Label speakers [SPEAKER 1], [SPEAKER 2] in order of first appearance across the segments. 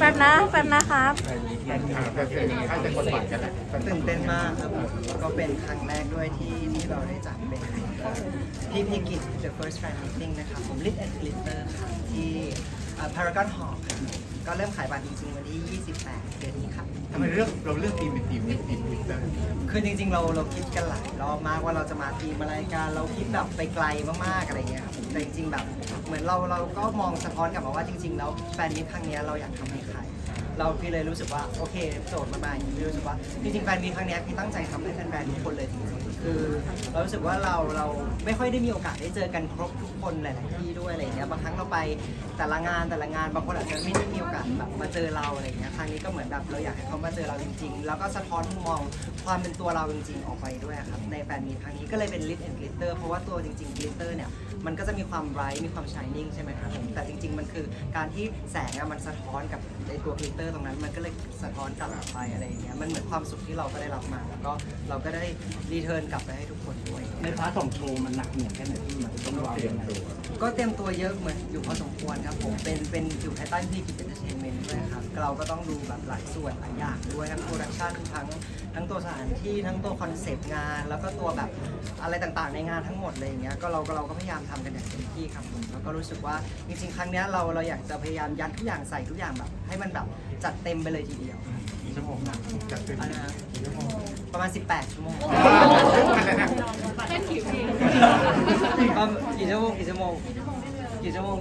[SPEAKER 1] ป๊บนะครับ
[SPEAKER 2] ตื่นเต้นมากครับผมก็เป็นครั้งแรกด้วยที่เราได้จัดเป็นพี่พิกิจ The First Fan Meeting นะครับผม Lit and Glitter ครับที่ Paragon Hall ครับก็เริ่มขายบัตรจริงๆวันที่ 28 เดือนนี้ครับ
[SPEAKER 3] ทำไมเราเลือกทีมเป็นทีมGlitter
[SPEAKER 2] คือจริงๆเราคิดกันหลายรอบมากว่าเราจะมาทีมอะไรกันเราคิดแบบไปไกลมากๆอะไรเงี้ยครับแต่จริงๆแบบเหมือนเราก็มองสะท้อนกลับมาว่าจริงๆแล้วแฟนมิตครั้งนี้เราอยากทำให้ใครเราพี่เลยรู้สึกว่าโอเคโจทย์มาอย่างนี้พี่รู้สึกว่าจริงๆแฟนมิตครั้งนี้พี่ตั้งใจทำให้แฟนๆทุกคนเลยจริงๆคือเรารู้สึกว่าเราไม่ค่อยได้มีโอกาสได้เจอกันครบทุกคนหลายๆที่ด้วยอะไรเงี้ยบางครั้งเราไปแต่ละงานบางคนอาจจะไม่ได้มีโอกาสแบบมาเจอเราอะไรเงี้ยครั้งนี้ก็เหมือนแบบเราอยากให้เขามาเจอเราจริงๆแล้วก็สะท้อนมุมมองความเป็นตัวเราจริงๆออกไปด้วยครับในแฟนมิตครั้งนี้ก็เลยเป็น Lit and Glitter เพราะว่าตัวจริงๆ Glitter เนี่ยมันก็จะมีความไบรท์มีความ shining ใช่ไหมครับแต่จริงๆมันคือการที่แสงมันสะท้อนกับในตัว Glitter ตรงนั้นมันก็เลยสะท้อนกลับออกไปอะไรอย่างเงี้ยมันเหมือนความสุขที่เราก็ได้รับมาแล้วก็เราก็ได้รีเทิร์นกลับไปให้ทุกคนด้วย
[SPEAKER 4] ในพาร์ทของโชว์มันหนักหน่วงแค่ไหนที่มันต้องวางยังไง
[SPEAKER 2] ก็เตรียมตัวเยอะเหมือนอยู่พอสมควรครับผมเป็นอยู่ภายใต้ที่กิจเอนเตอร์เทนเมนต์ด้วยครับเราก็ต้องดูแบบหลายส่วนหลายอย่างด้วยทั้งโปรดักชันทั้งตัวสถานที่ทั้งตัวคอนเซปต์งานแล้วก็ตัวแบบอะไรต่างๆในงานทั้งหมดเลยอย่างเงี้ยก็เราก็พยายามทำกันอย่างเต็มที่ครับผมแล้วก็รู้สึกว่าจริงๆครั้งนี้เราอยากจะพยายามยัดทุกอย่างใส่ทุกอย่างแบบให้มันแบบจัดเต็มไปเลยทีเดียว
[SPEAKER 3] ชั่วโมงนะจัดเต็มชั่วโมง
[SPEAKER 2] ประมาณ18 ชั่วโมง
[SPEAKER 1] เล่นกี่เพลง
[SPEAKER 2] กี่ชั่วโมงประมาณ2 ชั่วโมง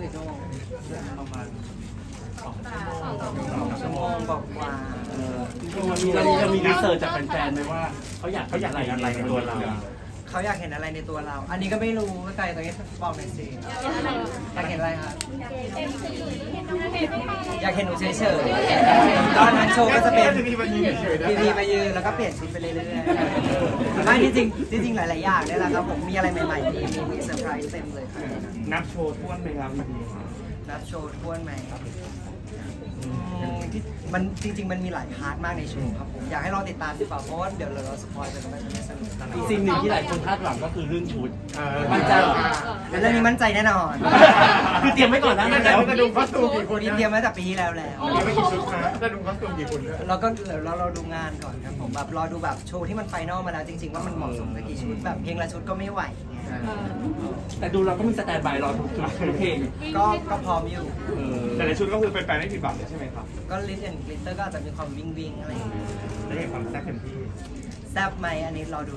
[SPEAKER 2] บอกว่า
[SPEAKER 4] เรามีรีเสิร์ชจากแฟนๆไหมว่าเขาอยากอะไรในตัวเรา
[SPEAKER 2] เขาอยากเห็นอะไรในตัวเราอันนี้ก็ไม่รู้ไกลตรงนี้บอกหน่อยสิอยากเห็นอะไรครับอยากเห็นหนูเฉยๆตอนนั้นโชว์ก็จะเป็นพีมายืนแล้วก็เปลี่ยนชุดไปเรื่อยๆไม่จริงหลายๆอย่างเนี่ยแหละครับผมมีอะไรใหม่ๆมีเซอร์ไพรส์เต็มเลยครับ
[SPEAKER 4] นับโชว์ท้วนไหมครับ
[SPEAKER 2] นับโชว์ท้วนไหมมันจริงๆมันมีหลายพาร์ทมากในโชว์ครับผมอยากให้เราติดตามดีกว่าเพราะว่าเดี๋ยวเราสปอยไปแล้วมันจะไม่สนุก
[SPEAKER 4] อีกสิ่งหนึ่งที่หลายคนคาดหวังก็คือเรื่องชุด
[SPEAKER 2] มั่นใจเรื่องนี้มั่นใจแน่นอน
[SPEAKER 4] คือเตรียมไว้ก่อนนะ
[SPEAKER 3] แล้วกระดุมคอสตูมกี่คน
[SPEAKER 2] เตรียมไว้แต่ปีที่แล้ว
[SPEAKER 3] เตรียมไม่กี่ชุดนะกระดุมคอสตูมกี่คน
[SPEAKER 2] เราก็เราดูงานก่อนครับผมแบบรอดูแบบโชว์ที่มันไฟนอลมาแล้วจริงๆว่ามันเหมาะสมกับกี่ชุดแบบเพลงละชุดก็ไม่ไหว
[SPEAKER 4] แต่ดูเราก็มีสแตนด์บายรอทุกเพลง
[SPEAKER 2] ก็พร้อมอยู่
[SPEAKER 3] แต่ในชุดก็คือเป็นแฟนไม่ผิดหวังเลยใช่ไหมครับ
[SPEAKER 2] ก็ลิสต์แอนด์กลิตเตอร์ก็อาจจะมีความวิ่งอะไรอย่างเงี้ย
[SPEAKER 3] ได้เห็นความแซ่บเต็มที่
[SPEAKER 2] แซ่บไหมอันนี้รอดู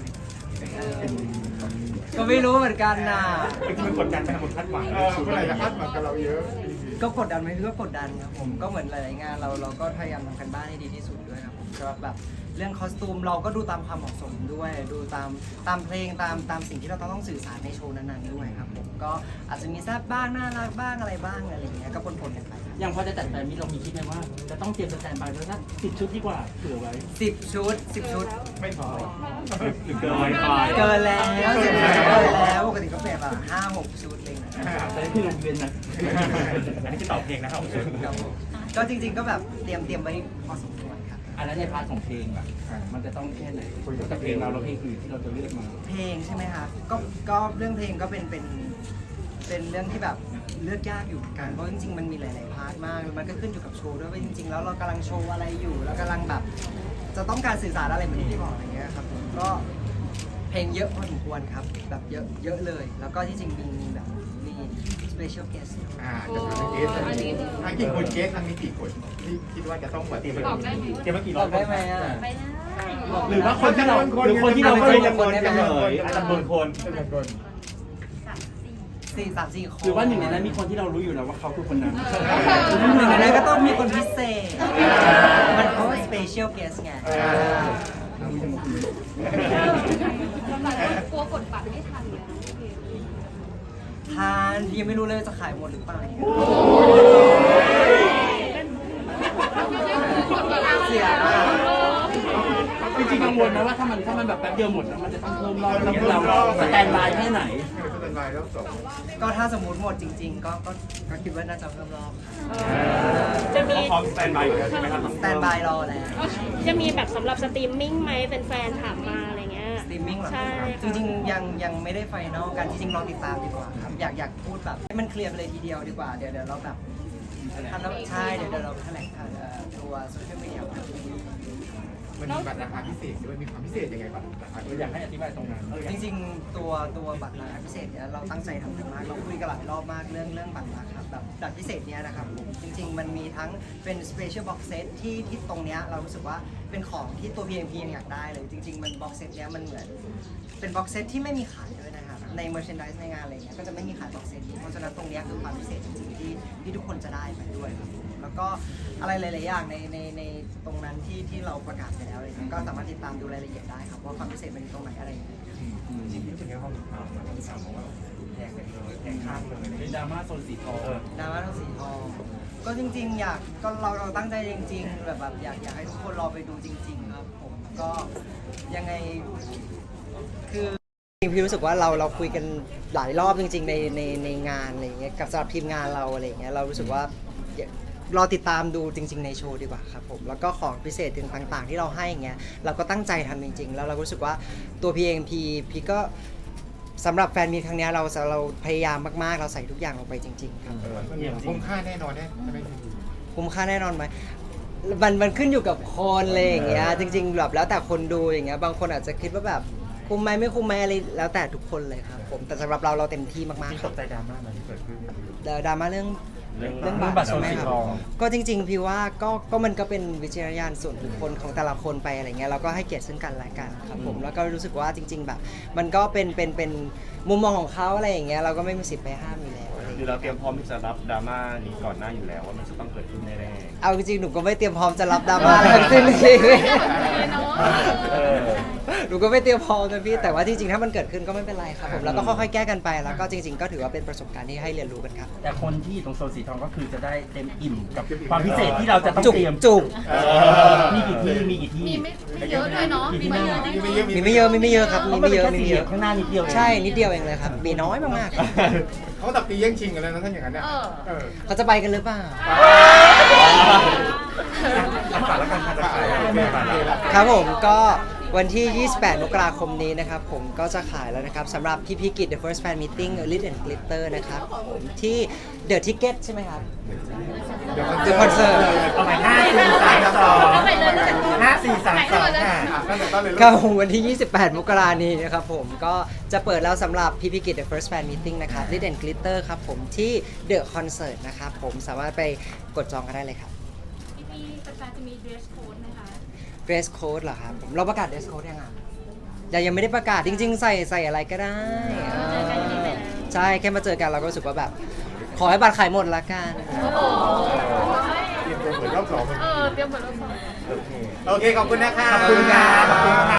[SPEAKER 2] ก็ไม่รู้เหมือนกันนะ
[SPEAKER 3] จริงๆมันกดดันเป็นคนคาดหวังเมื่อไหร่จะคาดหวังกับเราเยอะ
[SPEAKER 2] ก็กดดันไหมก็กดดันครับผมก็เหมือนหลายๆงานเราก็พยายามทำกันบ้านให้ดีที่สุดด้วยครับผมสำหรับแบบเรื่องคอสตูมเราก็ดูตามความเหมาะสมด้วยดูตามเพลงตามสิ่งที่เราต้องสื่อสารในโชว์นั้นๆด้วยครับผมก็อาจจะมีแซ่บบ้างน่ารักบ้างอะไรบ้างอะไรอย่างเงี้ยก็ปนๆกันไป
[SPEAKER 4] อย่างพอจะจัดแฟนมิตเรามีคิดไหมว่าจะต้องเตรียมสแตนด์บายไว้สัก10 ชุดดีกว่าเผื่อไว้
[SPEAKER 2] 10 ชุด
[SPEAKER 3] ไม่พอ
[SPEAKER 2] เกินแล้วปกติก็เป็นแบบ5-6 ชุดเลย
[SPEAKER 4] แต่ที่โรงเรียนนะ
[SPEAKER 3] อันนี้คือตอบเพลงนะครับ
[SPEAKER 2] ก็จริงๆก็แบบเตรียมไว้พอสมควรครับ
[SPEAKER 4] อันนั้นในพาร์ทของเพลงแบบมันจะต้องแค่ไหนกับเพลงเราเพลงอื่นที่เราจะเลือกมา
[SPEAKER 2] เพลงใช่ไหมครับก็เรื่องเพลงก็เป็นเรื่องที่แบบเลือกยากอยู่กันเพราะจริงๆมันมีหลายๆพาร์ทมากมันก็ขึ้นอยู่กับโชว์ด้วยว่าจริงๆแล้วเรากำลังโชว์อะไรอยู่แล้วกำลังแบบจะต้องการสื่อสารอะไรเหมือนที่บอกอะไรเงี้ยครับผมก็เพลงเยอะพอสมควรครับแบบเยอะเลยแล้วก็ที่จริงมีแบบมี special guest
[SPEAKER 3] จะเป็นเกสกี่คนเกสทั้งนี้กี่คนที่คิดว่าจะต้องเตรียมมากี่รอบ
[SPEAKER 2] ได้ไหม
[SPEAKER 4] หรือว่าคนที่เราไม่จำนวนกันเลยจำนวนคน
[SPEAKER 2] 3-4 คน
[SPEAKER 4] หรือว่าหนึ่งในนั้นมีคนที่เรารู้อยู่แล้วว่าเขาคือคนนั้น
[SPEAKER 2] หนึ่งในนั้นก็ต้องมีคนพิเศษมันเพราะว่า special guest ไง
[SPEAKER 1] กลัวกดบัตรไม่ทันเลย
[SPEAKER 2] ทานยังไม่รู้เลยจะขายหมดหรือเปล่าเสีย
[SPEAKER 4] จริงๆกังวลนะว่าถ้ามันแบบแป๊บเดียวหมดแล้วมันจะต้องเพิ่มรอบเราสแตนบายแค่ไหน
[SPEAKER 2] ก็ถ้าสมมติหมดจริงๆก็คิดว่าน่าจะเพิ่มรอบ
[SPEAKER 1] จะมี
[SPEAKER 3] พร้อมสแตนบายใช่ไหมครับ
[SPEAKER 2] สแตนบายรอแล้ว
[SPEAKER 1] จะมีแบบสำหรับสตรีมมิ่งไหมเป็นแฟนถามมาอะไรเงี้ย
[SPEAKER 2] สตรีมมิ่งเหรอจริงๆยังไม่ได้ไฟนอลกันจริงๆลองติดตามดีกว่าครับอยากพูดแบบให้มันเคลียร์ไปเลยทีเดียวดีกว่าเดี๋ยวเราแบบทำแล้วใช่เดี๋ยวเราแถลงตัวโซเชียลมีเดีย
[SPEAKER 3] มันมีบัตรราคาพิเศษด้วยมีความพิเศษยังไงบัตรราคา
[SPEAKER 4] อยากให้อธิบายตรงนั้น
[SPEAKER 2] จริงๆตัวบัตรราคาพิเศษเนี่ยเราตั้งใจทำกันมากเราคุยกันหลายรอบมากเรื่องบัตรราคาแบบบัตรพิเศษเนี่ยนะครับผมจริงๆมันมีทั้งเป็น special box set ที่ตรงเนี้ยเรารู้สึกว่าเป็นของที่ตัว PMP ยังอยากได้เลยจริงๆมัน box set เนี้ยมันเหมือนเป็น box set ที่ไม่มีขายด้วยนะครับใน merchandise ในงานอะไรเงี้ยก็จะไม่มีขาย box set นี้เพราะฉะนั้นตรงเนี้ยคือความพิเศษจริงๆที่ทุกคนจะได้ไปด้วยครับแล้วก็อะไรหลายๆอย่างในตรงนั้นที่เราประกาศไปแล้วอะไรเงี้ยก็สามารถติดตามดูรายละเอียดได้ครับว่าความพิเศษมันอยู่ตรงไหนอะไรอย่างเงี้ย
[SPEAKER 3] จริงๆรู้สึกยังไงบ้างมันมีข่าวมาว่าแพงกันเลยแพงข้ามเลย
[SPEAKER 4] เป็นดราม่าโซนสีทอง
[SPEAKER 2] ดราม่าทั้งสีทองก็จริงๆเราตั้งใจจริงๆแบบอยากให้ทุกคนรอไปดูจริงๆครับผมก็ยังไงคือพี่รู้สึกว่าเราคุยกันหลายรอบจริงๆในงานอะไรอย่างเงี้ยกับสำหรับทีมงานเราอะไรอย่างเงี้ยเรารู้สึกว่ารอติดตามดูจริงๆในโชว์ดีกว่าครับผมแล้วก็ของพิเศษต่างๆที่เราให้อย่างเงี้ยเราก็ตั้งใจทำจริงๆแล้วเรารู้สึกว่าตัวพีเองพี่ก็สำหรับแฟนมีตครั้งนี้เราพยายามมากๆเราใส่ทุกอย่างลงไปจริงๆครับ
[SPEAKER 3] คุ้มค่าแน่นอนเนี่ยใช่ไหม
[SPEAKER 2] คุ้มค่าแน่นอนไหมมันขึ้นอยู่กับคนเลยอย่างเงี้ยจริงๆแบบแล้วแต่คนดูอย่างเงี้ยบางคนอาจจะคิดว่าแบบคุ้มไหมไม่คุ้มไหมอะไรแล้วแต่ทุกคนเลยครับผมแต่สำหรับเราเต็มที่มากๆ
[SPEAKER 3] ที่
[SPEAKER 2] ค
[SPEAKER 3] ต
[SPEAKER 2] รับ
[SPEAKER 3] กใจดราม่ามันที่เกิดขึ้น
[SPEAKER 2] ดราม่าเรื่องบัตรใช่ไหมครับก็จริงๆพี่ว่าก็มันก็เป็นวิจารณญาณส่วนบุคคลของแต่ละคนไปอะไรเงี้ยเราก็ให้เกียรติซึ่งกันและกันครับผมแล้วก็รู้สึกว่าจริง ๆ แบบ มันก็เป็นมุมมองของเขาอะไรอย่างเงี้ยเราก็ไม่มีสิทธิ์ไปห้ามอยู่แล้วอะไร
[SPEAKER 5] คือเราเตรียมพร้อมที่จะรับดราม่านี้ก่อนหน้าอยู่แล้วว่ามันจะต้องเกิดขึ้นแน่
[SPEAKER 2] เอาจริงๆหนูก็ไม่เตรียมพร้อมจะรับดราม่าอะไรทั้งสิ้นจริง
[SPEAKER 5] ๆเออ
[SPEAKER 2] หนูก็ไม่เตรียมพร้อมนะพี่แต่ว่าจริงๆถ้ามันเกิดขึ้นก็ไม่เป็นไรครับผมแล้วก็ค่อยๆแก้กันไปแล้วก็จริง ๆ ก็ถือว่าเป็นประสบการณ์ที่ให้เรียนรู้กันครับ
[SPEAKER 4] แต่คนที่อยู่ตรงโซนสีทองก็คือจะได้เต็มอิ่มกับความพิเศษที่เราจะต้อง
[SPEAKER 2] จุก
[SPEAKER 4] เตรียม
[SPEAKER 2] จุก
[SPEAKER 4] มีกี่ที่
[SPEAKER 6] ไม่เยอะด้วยเนาะ
[SPEAKER 4] มีที่นั่ง
[SPEAKER 2] มีไม่เยอะครับมีไม่เยอะ
[SPEAKER 4] มี
[SPEAKER 2] มี
[SPEAKER 4] ไม่
[SPEAKER 2] ไม่
[SPEAKER 4] เย
[SPEAKER 2] เย
[SPEAKER 4] อะ
[SPEAKER 2] อะ
[SPEAKER 4] ข้างหน้านิดเดียว
[SPEAKER 2] ใช่นิดเดียวเองเลยครับมีน้อยมากๆครับ
[SPEAKER 3] เขาตับตีแย่งชิงกันแล้วนะท่านอย่างนั้นเนี่ย
[SPEAKER 2] เขาจะไปกันหรือเปล่า
[SPEAKER 3] ฝากแล้วกันค่ะจะขายฝากเลยละ
[SPEAKER 2] ครับผมก็วันที่ 28 มกราคมนี้นะครับผมก็จะขายแล้วนะครับสำหรับพี่พิกิจ The First Fan Meeting Lit and Glitter นะครับผมที่ The Ticket ใช่ไหมครับ The Concert
[SPEAKER 4] เอาไป5 4 3 2 5 4 3 2ค่ะ
[SPEAKER 3] ตั้งแต่ต้นเลย
[SPEAKER 2] ครับผมวันที่ 28 มกรานี้นะครับผมก็จะเปิดแล้วสำหรับพี่พิกิจ The First Fan Meeting นะครับ Lit and Glitter ครับผมที่ The Concert นะครับผมสามารถไปกดจองกันได้เลยครับ
[SPEAKER 6] พี่แฟนๆจะมี dress code ไหมคะ
[SPEAKER 2] Dress Code เหรอครับผมเราประกาศ Dress Code ยังไงยังไม่ได้ประกาศจริงๆใส่อะไรก็ได้ใช่แค่มาเจอกันเราก็รู้สึกว่าแบบ ขอให้บัตรขายหมดละกัน
[SPEAKER 3] เตรียมตัวเหมือนรอบสอง
[SPEAKER 6] เตรียมเหมือนเราสอน
[SPEAKER 3] โอเค ขอบคุณนะคะขอบคุณค่ะ